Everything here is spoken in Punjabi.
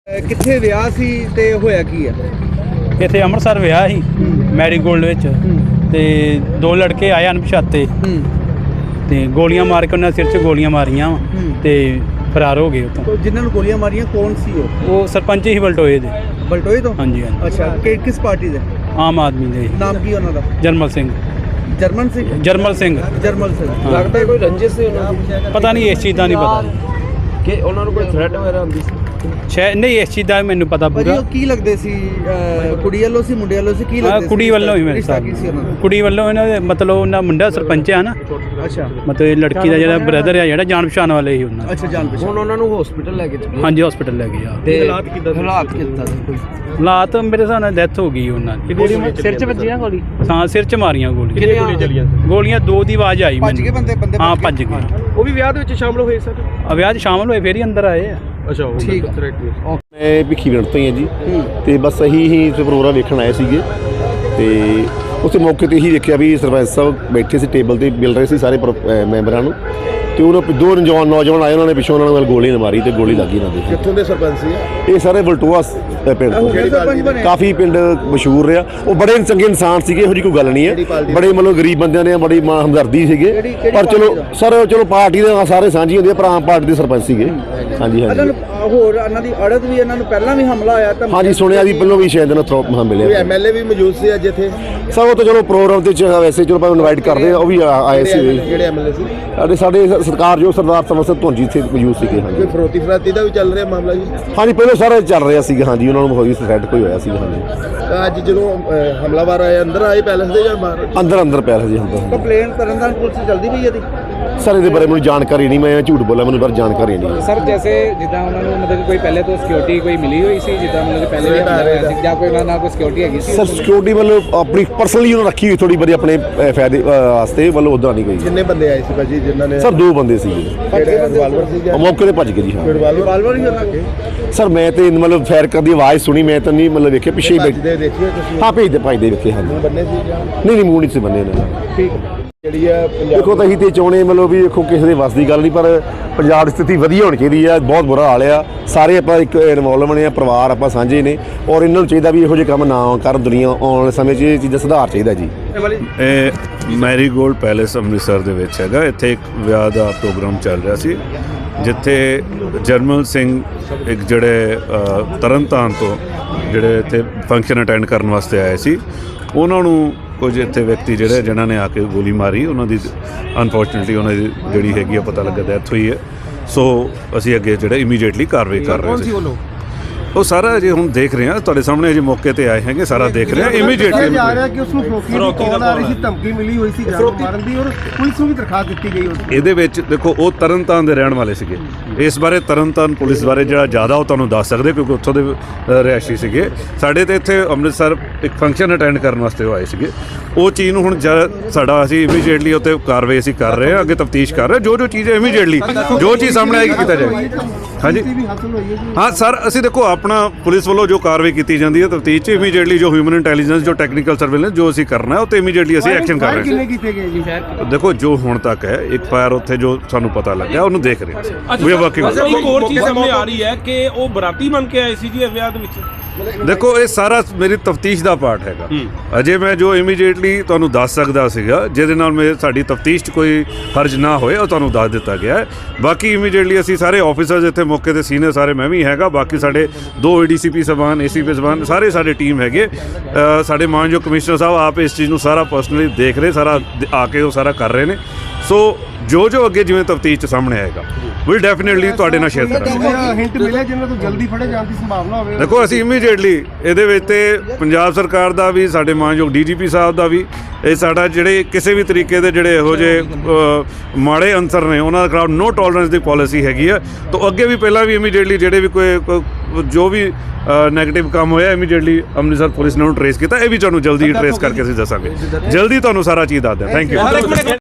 ਕਿੱਥੇ ਵਿਆਹ ਸੀ ਤੇ ਹੋਇਆ ਕੀ ਆ? ਇੱਥੇ ਅੰਮ੍ਰਿਤਸਰ ਵਿਆਹ ਸੀ ਮੈਰੀਗੋਲਡ ਵਿੱਚ ਤੇ ਦੋ ਲੜਕੇ ਆਏ ਅਣਪਛਾਤੇ ਤੇ ਗੋਲੀਆਂ ਮਾਰ ਕੇ ਉਹਨਾਂ ਦੇ ਸਿਰ 'ਚ ਗੋਲੀਆਂ ਮਾਰੀਆਂ ਤੇ ਫਰਾਰ ਹੋ ਗਏ ਉੱਥੋਂ। ਜਿਨ੍ਹਾਂ ਨੂੰ ਗੋਲੀਆਂ ਮਾਰੀਆਂ ਕੌਣ ਸੀ ਉਹ ਸਰਪੰਚ ਹੀ ਬਲਟੋਏ ਦੇ। ਬਲਟੋਏ ਤੋਂ? ਹਾਂਜੀ ਹਾਂਜੀ। ਅੱਛਾ, ਕਿਸ ਪਾਰਟੀ ਦੇ? ਆਮ ਆਦਮੀ ਦੇ। ਨਾਮ ਕੀ ਉਹਨਾਂ ਦਾ? ਜਰਮਲ ਸਿੰਘ। ਜਰਮਨ ਸਿੰਘ? ਜਰਮਲ ਸਿੰਘ। ਜਰਮਲ ਸਿੰਘ। ਹਾਂ। ਲੱਗਦਾ ਕੋਈ ਰੰਜਿਸ਼ ਸੀ ਉਹਨਾਂ ਦੀ? ਪਤਾ ਨਹੀਂ, ਇਸ ਚੀਜ਼ ਦਾ ਨਹੀਂ ਪਤਾ ਕਿ ਉਹਨਾਂ ਨੂੰ ਕੋਈ ਥ੍ਰੈਟ ਵਗੈਰਾ ਹੁੰਦੀ ਸੀ? ਸ਼ਾਇਦ ਨਹੀਂ, ਇਸ ਚੀਜ਼ ਦਾ ਮੈਨੂੰ ਪਤਾ ਪੂਰਾ। ਉਹ ਕੀ ਲੱਗਦੇ ਸੀ? ਕੁੜੀ ਵੱਲੋਂ ਸੀ ਮੁੰਡੇ ਵੱਲੋਂ ਸੀ? ਕੀ ਲੱਗਦੇ ਸੀ? ਕੁੜੀ ਵੱਲੋਂ ਹੀ ਮੇਰੇ ਸਾਹਿਬ। ਕੁੜੀ ਵੱਲੋਂ ਇਹਨਾਂ ਦੇ ਮਤਲਬ ਉਹਨਾਂ ਮੁੰਡਾ ਸਰਪੰਚ ਆ ਨਾ। ਅੱਛਾ। ਮਤਲਬ ਇਹ ਲੜਕੀ ਦਾ ਜਿਹੜਾ ਬ੍ਰਦਰ ਆ ਜਿਹੜਾ ਜਾਣ ਪਛਾਣ ਵਾਲੇ ਹੀ ਉਹਨਾਂ। ਅੱਛਾ, ਜਾਣ ਪਛਾਣ। ਹੁਣ ਉਹਨਾਂ ਨੂੰ ਹਸਪੀਟਲ ਲੈ ਕੇ ਚੱਲੇ? ਹਾਂਜੀ, ਹਸਪੀਟਲ ਲੈ ਗਏ ਆ। ਤੇ ਹਾਲਾਤ ਕਿੱਦਾਂ ਸੀ? ਕੋਈ ਹਾਲਾਤ ਮੇਰੇ ਹਿਸਾਬ ਨਾਲ ਡੈਥ ਹੋ ਗਈ ਉਹਨਾਂ ਦੀ। ਸਿਰ 'ਚ ਵੱਜੀ ਨਾ ਗੋਲੀ? ਹਾਂ, ਸਿਰ 'ਚ ਮਾਰੀਆਂ ਗੋਲੀਆਂ। ਕਿੰਨੀਆਂ ਗੋਲੀਆਂ ਚੱਲੀਆਂ? ਗੋਲੀਆਂ ਦੋ ਦੀ ਆਵਾਜ਼ ਆਈ। ਭੱਜ ਗਏ ਬੰਦੇ? ਹਾਂ, ਭੱਜ ਗਏ। ਉਹ ਵੀ ਵਿਆਹ ਦੇ ਵਿੱਚ ਸ਼ਾਮਲ ਹੋਏ ਸਰ? ਵਿਆਹ 'ਚ ਸ਼ਾਮਲ ਹੋਏ, ਫੇਰ ਹੀ ਅੰਦਰ ਆਏ ਆ। ਅੱਛਾ, ਠੀਕ। ਮੈਂ ਭਿੱਖੀਵਿੰਡ ਤੋਂ ਹੀ ਹਾਂ ਜੀ। ਤੇ ਬਸ ਅਸੀਂ ਹੀ ਪ੍ਰੋਗਰਾਮ ਵੇਖਣ ਆਏ ਸੀਗੇ ਤੇ ਉਸੇ ਮੌਕੇ ਤੇ ਹੀ ਦੇਖਿਆ ਵੀ ਸਰਪੰਚ ਸਾਹਿਬ ਬੈਠੇ ਸੀ ਟੇਬਲ ਤੇ ਮਿਲ ਰਹੇ ਸੀ ਸਾਰੇ ਮੈਂਬਰਾਂ ਨੂੰ ਤੇ ਉਹਨਾਂ ਦੋ ਨੌਜਵਾਨ ਆਏ, ਉਹਨਾਂ ਨੇ ਪਿੱਛੋਂ ਉਹਨਾਂ ਨਾਲ ਗੋਲੀ ਮਾਰੀ ਤੇ ਗੋਲੀ ਲੱਗੀ ਇਹਨਾਂ ਦੇ। ਕਿੱਥੋਂ ਦੇ ਸਰਪੰਚ ਸੀ ਇਹ ਸਾਰੇ ਬਲਟੋਆ ਪਿੰਡ ਤੋਂ। ਕਾਫੀ ਪਿੰਡ ਮਸ਼ਹੂਰ ਰਿਹਾ। ਉਹ ਬੜੇ ਚੰਗੇ ਇਨਸਾਨ ਸੀਗੇ, ਇਹੋ ਜਿਹੀ ਕੋਈ ਗੱਲ ਨਹੀਂ ਹੈ। ਬੜੇ ਮਤਲਬ ਗਰੀਬ ਬੰਦਿਆਂ ਨੇ ਬੜੀ ਹਮਦਰਦੀ ਸੀਗੇ। ਪਰ ਚਲੋ ਪਾਰਟੀ ਦੇ ਸਾਰੇ ਸਾਂਝੀ ਹੁੰਦੀ ਹੈ, ਪਰ ਆਮ ਪਾਰਟੀ ਦੇ ਸਰਪੰਚ ਸੀਗੇ। ਹਾਂਜੀ ਹਾਂਜੀ। ਹੋਰ ਇਹਨਾਂ ਦੀ ਅੜਤ ਵੀ, ਇਹਨਾਂ ਨੂੰ ਪਹਿਲਾਂ ਵੀ ਹਮਲਾ ਆਇਆ ਤਾਂ? ਹਾਂਜੀ, ਸੁਣਿਆ ਵੀ ਪਹਿਲਾਂ ਵੀ ਸ਼ਾਇਦ ਇਹਨਾਂ ਥਰੋਪ ਮਿਲਿਆ। ਕੋਈ ਐਮਐਲਏ ਵੀ ਮੌਜੂਦ ਸੀ ਅੱਜ ਇੱਥੇ? ਸਭ ਉਹ ਤਾਂ ਚਲੋ ਪ੍ਰੋਗਰਾਮ ਤੇ ਵੈਸੇ ਚਲੋ ਭਾਵੇਂ ਇਨਵਾਈਟ ਕਰਦੇ ਆ, ਉਹ ਵੀ ਆਏ ਸੀ। ਜਿਹੜੇ ਐਮਐਲਏ ਸੀ? ਸਾਡੇ ਸਰਕਾਰ ਜੋ ਸਰਦਾਰ ਸਮਰ ਸਿੰਘ ਧੁੰਜੀ ਇੱਥੇ ਮੌਜੂਦ ਸੀਗੇ। ਹਾਂਜੀ। ਕੋਈ ਫਰੋਤੀ ਫਰਾਤੀ ਦਾ ਵੀ ਚੱਲ ਰਿਹਾ ਮਾਮਲਾ ਜੀ? ਹਾਂਜੀ, ਪਹਿਲਾਂ ਸਾਰਾ ਚੱਲ ਰਿਹਾ ਸੀਗਾ। ਹਾਂਜੀ, ਉਹਨਾਂ ਨੂੰ ਹੋਈ ਥ੍ਰੈਟ ਕੋਈ ਹੋਇਆ ਸੀਗਾ। ਹਾਂਜੀ। ਅੱਜ ਜਦੋਂ ਹਮਲਾਵਰ ਆਏ ਅੰਦਰ ਆਏ ਪੈਲਸ ਦੇ ਜਾਂ ਬਾਹਰ? ਅੰਦਰ ਪੈਲਸ ਜੀ ਹੁੰਦਾ। ਕੰਪਲੇਨ ਤਰਨਤਾਰਨ ਪੁਲਿਸ ਜਲਦੀ ਪਈ ਇਹਦੀ? ਸਰ ਇਹਦੇ ਬਾਰੇ ਮੈਨੂੰ ਜਾਣਕਾਰੀ ਨਹੀਂ, ਮੈਂ ਝੂਠ ਬੋਲਾਂ, ਮੈਨੂੰ ਪਰ ਜਾਣਕਾਰੀ ਨਹੀਂ। ਸਰ ਜੈਸੇ ਜਿੱਦਾਂ ਉਹਨਾਂ ਨੂੰ ਮਤਲਬ ਕੋਈ ਪਹਿਲੇ ਤੋਂ ਸਿਕਿਉਰਿਟੀ ਕੋਈ ਮਿਲੀ ਹੋਈ ਸੀ, ਜਿੱਦਾਂ ਮਤਲਬ ਪਹਿਲੇ ਵੀ ਹੋਇਆ ਸੀ ਜਾਂ ਕੋਈ ਉਹਨਾਂ ਨਾਲ ਕੋਈ ਸਿਕਿਉਰਿਟੀ ਹੈਗੀ ਸੀ? ਸਰ ਸਿਕਿਉਰਿਟੀ ਮਤਲਬ ਆਪਣੀ ਪਰਸਨਲੀ ਉਹਨਾਂ ਰੱਖੀ ਹੋਈ ਥੋੜੀ ਬੜੀ ਆਪਣੇ ਫਾਇਦੇ ਵਾਸਤੇ, ਮਤਲਬ ਉਦਾਂ ਨਹੀਂ ਕੋਈ। ਕਿੰਨੇ ਬੰਦੇ ਆਏ ਸੀ ਭਾਜੀ ਜਿਨ੍ਹਾਂ ਨੇ? ਸਰ ਦੋ ਬੰਦੇ ਸੀਗੇ। ਰਿਵਾਲਵਰ ਸੀ ਜਾਂ ਮੌਕੇ ਤੇ ਭੱਜ ਗਏ ਜੀ? ਹਾਂ, ਰਿਵਾਲਵਰ ਹੀ ਉਹਨਾਂ ਕੇ? ਸਰ ਮੈਂ ਤੇ ਮਤਲਬ ਫਾਇਰ ਕਰਨ ਦੀ ਆਵਾਜ਼ ਸੁਣੀ, ਮੈਂ ਤਾਂ ਨਹੀਂ ਮਤਲਬ ਵੇਖਿਆ ਪਿੱਛੇ ਹੀ ਬੈਠੇ। ਦੇਖਿਓ ਤੁਸੀਂ? ਹਾਂ, ਭੇਜਦੇ ਵੇਖੇ। ਹਾਂਜੀ। ਬੰਨੇ ਸੀ ਜਾਂ ਨਹੀਂ ਮੂੰਹ ਨਹੀਂ ਸੀ ਬੰਨੇ ਇਹਨਾਂ ਨੇ। ਠੀਕ। ਜਿਹੜੀ ਆ ਦੇਖੋ ਤਾਂ ਅਸੀਂ ਤੇ ਚਾਹੁੰਦੇ ਮਤਲਬ ਵੀ ਦੇਖੋ ਕਿਸੇ ਦੇ ਵੱਸ ਦੀ ਗੱਲ ਨਹੀਂ, ਪਰ ਪੰਜਾਬ ਦੀ ਸਥਿਤੀ ਵਧੀਆ ਹੋਣੀ ਚਾਹੀਦੀ ਆ। ਬਹੁਤ ਬੁਰਾ ਹਾਲ ਆ। ਸਾਰੇ ਆਪਾਂ ਇੱਕ ਇਨਵੋਲਵ ਬਣੇ ਆ, ਪਰਿਵਾਰ ਆਪਾਂ ਸਾਂਝੇ ਨੇ, ਔਰ ਇਹਨਾਂ ਨੂੰ ਚਾਹੀਦਾ ਵੀ ਇਹੋ ਜਿਹੇ ਕੰਮ ਨਾ ਕਰਨ। ਦੁਨੀਆ ਆਉਣ ਵਾਲੇ ਸਮੇਂ 'ਚ ਇਹ ਚੀਜ਼ਾਂ ਸੁਧਾਰ ਚਾਹੀਦਾ ਜੀ। ਇਹ ਮੈਰੀਗੋਲਡ ਪੈਲੇਸ ਅੰਮ੍ਰਿਤਸਰ ਦੇ ਵਿੱਚ ਹੈਗਾ। ਇੱਥੇ ਇੱਕ ਵਿਆਹ ਦਾ ਪ੍ਰੋਗਰਾਮ ਚੱਲ ਰਿਹਾ ਸੀ, ਜਿੱਥੇ ਜਰਮਲ ਸਿੰਘ ਇੱਕ ਜਿਹੜੇ ਤਰਨਤਾਰਨ ਤੋਂ ਜਿਹੜੇ ਇੱਥੇ ਫੰਕਸ਼ਨ ਅਟੈਂਡ ਕਰਨ ਵਾਸਤੇ ਆਏ ਸੀ, ਉਹਨਾਂ ਨੂੰ ਕੁਝ ਇੱਥੇ ਵਿਅਕਤੀ ਜਿਹੜੇ ਜਿਨ੍ਹਾਂ ਨੇ ਆ ਕੇ ਗੋਲੀ ਮਾਰੀ। ਉਹਨਾਂ ਦੀ ਅਨਫੋਰਚੂਨੇਟਲੀ ਉਹਨਾਂ ਦੀ ਜਿਹੜੀ ਹੈਗੀ ਆ ਪਤਾ ਲੱਗਾ ਡੈਥ ਹੋਈ ਹੈ। ਸੋ ਅਸੀਂ ਅੱਗੇ ਜਿਹੜਾ ਇਮੀਡੀਏਟਲੀ ਕਾਰਵਾਈ ਕਰ ਰਹੇ ਸੀ। ਉਹ ਸਾਰਾ ਜੇ ਹੁਣ ਦੇਖ ਰਹੇ ਹਾਂ, ਤੁਹਾਡੇ ਸਾਹਮਣੇ ਅਜੇ ਮੌਕੇ ਤੇ ਆਏ ਹੈਗੇ, ਸਾਰਾ ਦੇਖ ਰਹੇ ਹਾਂ ਇਮੀਡੀਏਟਲੀ। ਜਾ ਰਿਹਾ ਕਿ ਉਸ ਨੂੰ ਫਰੋਤੀ ਦੀ ਆ ਰਹੀ ਸੀ, ਧਮਕੀ ਮਿਲੀ ਹੋਈ ਸੀ ਜਾਨ ਮਾਰਨ ਦੀ, ਔਰ ਪੁਲਿਸ ਨੂੰ ਵੀ ਦਰਖਾਸਤ ਦਿੱਤੀ ਗਈ ਉਸ ਦੀ। ਇਹਦੇ ਵਿੱਚ ਦੇਖੋ ਉਹ ਤਰਨਤਾਰਨ ਦੇ ਰਹਿਣ ਵਾਲੇ ਸੀਗੇ। ਇਸ ਬਾਰੇ ਤਰਨਤਾਰਨ ਪੁਲਿਸ ਬਾਰੇ ਜਿਹੜਾ ਜ਼ਿਆਦਾ ਉਹ ਤੁਹਾਨੂੰ ਦੱਸ ਸਕਦੇ, ਕਿਉਂਕਿ ਉੱਥੋਂ ਦੇ ਰਿਹਾਇਸ਼ੀ ਸੀਗੇ। ਸਾਡੇ ਤੇ ਇੱਥੇ ਅੰਮ੍ਰਿਤਸਰ ਇੱਕ ਫੰਕਸ਼ਨ ਅਟੈਂਡ ਕਰਨ ਵਾਸਤੇ ਉਹ ਆਏ ਸੀਗੇ। ਉਹ ਚੀਜ਼ ਨੂੰ ਹੁਣ ਸਾਡਾ ਅਸੀਂ ਇਮੀਡੀਏਟਲੀ ਉੱਤੇ ਕਾਰਵਾਈ ਅਸੀਂ ਕਰ ਰਹੇ ਹਾਂ, ਅੱਗੇ ਤਫਤੀਸ਼ ਕਰ ਰਹੇ ਜੋ ਚੀਜ਼ ਹੈ ਇਮੀਡੀਏਟਲੀ ਜੋ ਚੀਜ਼ ਸਾਹਮਣੇ ਆਏਗੀ ਕੀਤਾ ਜਾਏਗਾ। ਹਾਂਜੀ ਹਾਂ ਸਰ, ਅਸੀਂ ਦੇਖੋ ਆਪਣਾ ਪੁਲਿਸ ਵੱਲੋਂ ਜੋ ਕਾਰਵਾਈ ਕੀਤੀ ਜਾਂਦੀ ਹੈ ਤਫਤੀਸ਼ 'ਚ ਇਮੀਡੀਏਟਲੀ ਜੋ ਹਿਊਮਨ ਇੰਟੈਲੀਜੈਂਸ ਜੋ ਟੈਕਨੀਕਲ ਸਰਵੇਲੈਂਸ ਜੋ ਅਸੀਂ ਕਰਨਾ ਉਹ ਤੇ ਇਮੀਡੀਏਟਲੀ ਅਸੀਂ ਐਕਸ਼ਨ ਕਰ ਰਹੇ ਹਾਂ। ਕੀਤੇ ਗਏ ਜੀ? ਦੇਖੋ ਜੋ ਹੁਣ ਤੱਕ ਹੈ ਇੱਕ ਫਾਇਰ ਉੱਥੇ ਜੋ ਸਾਨੂੰ ਪਤਾ ਲੱਗਿਆ ਉਹਨੂੰ ਦੇਖ ਰਹੇ ਹਾਂ। ਵੀ ਵਰਕਿੰਗ ਇੱਕ ਹੋਰ ਚੀਜ਼ ਸਾਹਮਣੇ ਆ ਰਹੀ ਹੈ ਕਿ ਉਹ ਬਰਾਤੀ ਬਣ ਕੇ ਆਏ ਸੀ ਜੀ ਵਿਆਹ ਦੇ ਵਿੱਚ। ਦੇਖੋ ਇਹ ਸਾਰਾ ਮੇਰੀ ਤਫਤੀਸ਼ ਦਾ ਪਾਰਟ ਹੈਗਾ। ਅਜੇ ਮੈਂ ਜੋ ਇਮੀਡੀਏਟਲੀ ਤੁਹਾਨੂੰ ਦੱਸ ਸਕਦਾ ਸੀਗਾ ਜਿਹਦੇ ਨਾਲ ਸਾਡੀ ਤਫਤੀਸ਼ 'ਚ ਕੋਈ ਹਰਜ ਨਾ ਹੋਏ ਉਹ ਤੁਹਾਨੂੰ ਦੱਸ ਦਿੱਤਾ ਗਿਆ ਹੈ। ਬਾਕੀ ਇਮੀਡੀਏਟਲੀ ਅਸੀਂ ਸਾਰੇ ਆਫਿਸਰਸ ਇੱਥੇ ਮੌਕੇ ਤੇ ਸੀਨੀਅਰ ਸਾਰੇ ਮੈਂ ਵੀ ਹੈਗਾ, ਬਾਕੀ ਸਾਡੇ 2 ADCP ਸਾਹਿਬਾਨ ACP ਸਾਹਿਬਾਨ ਸਾਰੇ ਸਾਡੇ ਟੀਮ ਹੈਗੇ। ਸਾਡੇ ਮਾਨਯੋਗ ਕਮਿਸ਼ਨਰ ਸਾਹਿਬ ਆਪ ਇਸ ਚੀਜ਼ ਨੂੰ ਸਾਰਾ ਪਰਸਨਲੀ ਦੇਖ ਰਹੇ, ਸਾਰਾ ਆ ਕੇ ਉਹ ਸਾਰਾ ਕਰ ਰਹੇ ਨੇ। ਸੋ ਜੋ ਅੱਗੇ ਜਿਵੇਂ ਤਫਤੀਸ਼ 'ਚ ਸਾਹਮਣੇ ਆਏਗਾ ਵੀ ਡੈਫੀਨੇਟਲੀ ਤੁਹਾਡੇ ਨਾਲ ਸ਼ੇਅਰ ਕਰਾਂਗੇ। ਹਿੰਟ ਮਿਲਿਆ ਜਿਨ੍ਹਾਂ ਤੋਂ ਜਲਦੀ ਫੜੇ ਜਾਣ ਦੀ ਸੰਭਾਵਨਾ ਹੋਵੇ? ਦੇਖੋ ਅਸੀਂ ਇਮੀਡੀਏਟਲੀ ਇਹਦੇ ਵਿੱਚ ਤੇ ਪੰਜਾਬ ਸਰਕਾਰ ਦਾ ਵੀ, ਸਾਡੇ ਮਾਨਯੋਗ DGP ਸਾਹਿਬ ਦਾ ਵੀ, ਇਹ ਸਾਡਾ ਜਿਹੜੇ ਕਿਸੇ ਵੀ ਤਰੀਕੇ ਦੇ ਜਿਹੜੇ ਇਹੋ ਜਿਹੇ ਮਾੜੇ ਅੰਸਰ ਨੇ ਉਹਨਾਂ ਦੇ ਖਿਲਾਫ ਨੋ ਟੋਲਰੈਂਸ ਦੀ ਪਾਲਿਸੀ ਹੈਗੀ ਆ। ਤਾਂ ਅੱਗੇ ਵੀ ਪਹਿਲਾਂ ਵੀ ਇਮੀਡੀਏਟਲੀ ਜਿਹੜੇ ਵੀ ਕੋਈ ਜੋ ਵੀ ਨੈਗੇਟਿਵ ਕੰਮ ਹੋਇਆ ਇਮੀਡੀਏਟਲੀ ਅੰਮ੍ਰਿਤਸਰ ਪੁਲਿਸ ਨੇ ਉਹਨੂੰ ਟਰੇਸ ਕੀਤਾ। ਇਹ ਵੀ ਤੁਹਾਨੂੰ ਜਲਦੀ ਟਰੇਸ ਕਰਕੇ ਅਸੀਂ ਦੱਸਾਂਗੇ, ਜਲਦੀ ਤੁਹਾਨੂੰ ਸਾਰਾ ਚੀਜ਼ ਦੱਸ ਦਿਆਂ। Thank you.